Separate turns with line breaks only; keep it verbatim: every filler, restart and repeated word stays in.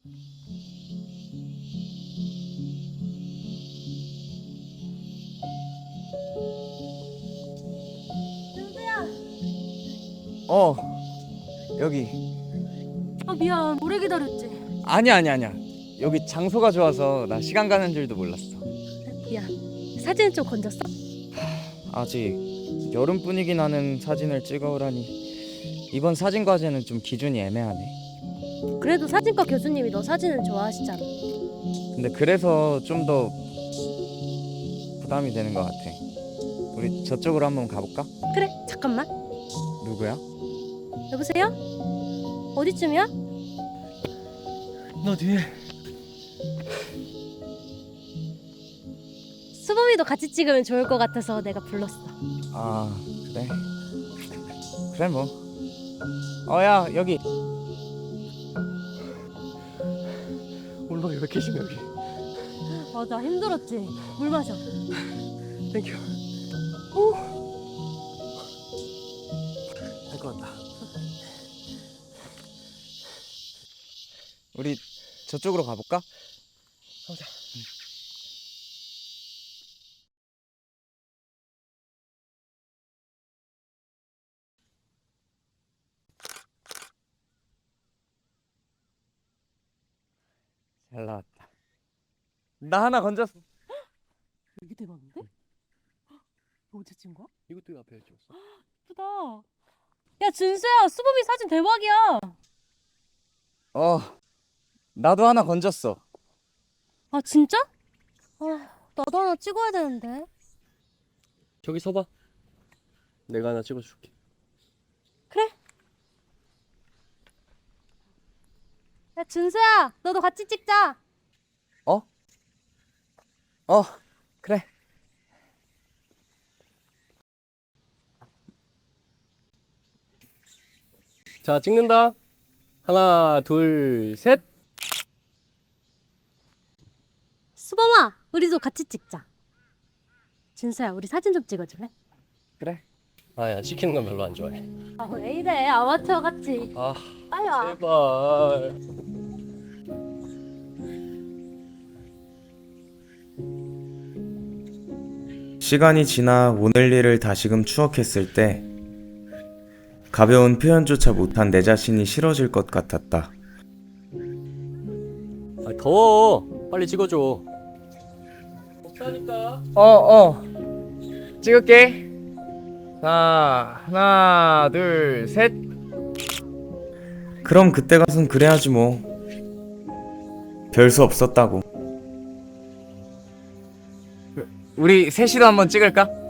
준수야.
어, 여기.
아 미안, 오래 기다렸지.
아니야, 아니야, 아니야. 여기 장소가 좋아서 나 시간 가는 줄도 몰랐어.
미안. 사진 좀 건졌어?
아직 여름 분위기 나는 사진을 찍어오라니. 이번 사진 과제는 좀 기준이 애매하네.
그래도 사진과 교수님이 너 사진을 좋아하시잖아.
근데 그래서 좀 더 부담이 되는 것 같아. 우리 저쪽으로 한번 가볼까?
그래, 잠깐만.
누구야?
여보세요? 어디쯤이야?
너 뒤에.
수범이도 같이 찍으면 좋을 것 같아서 내가 불렀어.
아, 그래? 그래 뭐. 어야, 여기.
울먹이 왜 계시냐 여기.
맞아, 힘들었지. 물 마셔.
땡큐. 할 것 같다.
우리 저쪽으로 가볼까?
가보자.
잘 나왔다. 나 하나 건졌어.
이게 대박인데? 너 어제 찍은 거야?
이것도 앞에 찍었어.
예쁘다. 야 준수야, 수범이 사진 대박이야.
어, 나도 하나 건졌어.
아 진짜? 아 나도 하나 찍어야 되는데.
저기 서봐. 내가 하나 찍어줄게.
그래. 야 준수야, 너도 같이 찍자.
어? 어, 그래.
자, 찍는다. 하나, 둘, 셋.
수범아, 우리도 같이 찍자. 준수야, 우리 사진 좀 찍어줄래?
그래.
아야, 찍히는 건 별로 안 좋아해.
아 왜 이래, 아마추어 같이.
아,
아야.
제발.
시간이 지나 오늘 일을 다시금 추억했을 때 가벼운 표현조차 못한 내 자신이 싫어질 것 같았다.
아, 더워. 빨리 찍어줘. 없다니까.
어, 어. 찍을게. 자, 하나, 둘, 셋.
그럼 그때 가선 그래야지 뭐. 별수 없었다고.
우리 셋이도 한번 찍을까?